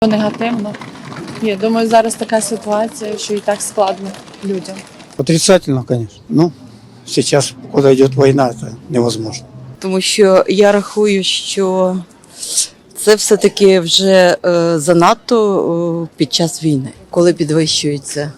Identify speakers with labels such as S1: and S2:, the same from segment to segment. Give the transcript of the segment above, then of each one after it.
S1: Негативно. Я думаю, зараз така ситуація, що і так складно людям.
S2: Отрицательно, конечно. Ну, сейчас, когда идет война, это невозможно.
S3: Тому що я рахую, що це все-таки вже занадто під час війни, коли підвищуються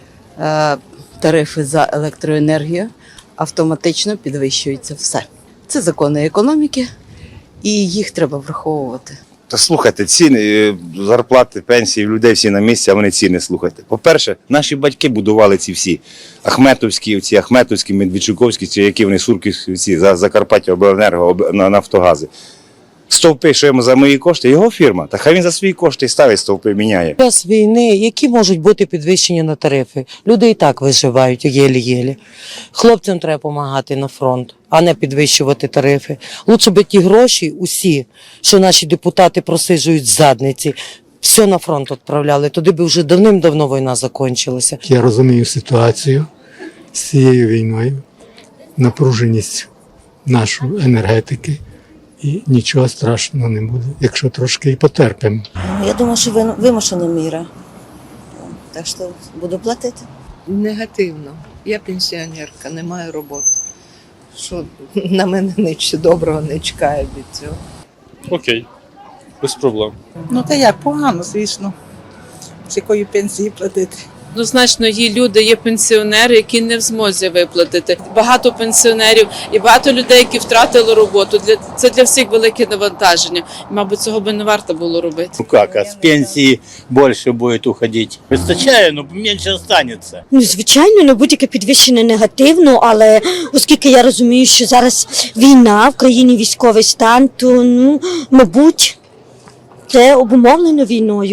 S3: тарифи за електроенергію, автоматично підвищується все. Це закони економіки, і їх треба враховувати.
S4: Та слухайте, ціни, зарплати, пенсії, людей всі на місці, а вони ціни слухайте. По-перше, наші батьки будували ці всі Ахметовські, Медведчуковські, ці, які вони Сурківські, ці, Закарпаття, Обленерго, Нафтогази. Стовпи, що йому за мої кошти, його фірма, та хай він за свої кошти і ставить стовпи, міняє.
S5: Під час війни які можуть бути підвищення на тарифи? Люди і так виживають єлі-єлі. Хлопцям треба допомагати на фронт, а не підвищувати тарифи. Лучше би ті гроші усі, що наші депутати просиджують з задниці, все на фронт відправляли. Туди би вже давним-давно війна закінчилася.
S6: Я розумію ситуацію з цією війною, напруженість нашої енергетики. І нічого страшного не буде, якщо трошки і потерпимо.
S7: Я думаю, що вимушена міра. Так що буду платити.
S8: Негативно. Я пенсіонерка, не маю роботи. Що на мене нічого доброго не чекає від цього.
S9: Окей, без проблем.
S10: Ну та як, погано, звісно. З якої пенсії платити.
S1: Однозначно, є люди, є пенсіонери, які не в змозі виплатити. Багато пенсіонерів і багато людей, які втратили роботу. Це для всіх велике навантаження. Мабуть, цього би не варто було робити.
S11: Ну как, а с пенсии больше будет уходить? Вистачає, но менше останется.
S12: Ну, звичайно, не будь-яке підвищення негативно, але оскільки я розумію, що зараз війна, в країні військовий стан, то, мабуть, це обумовлено війною.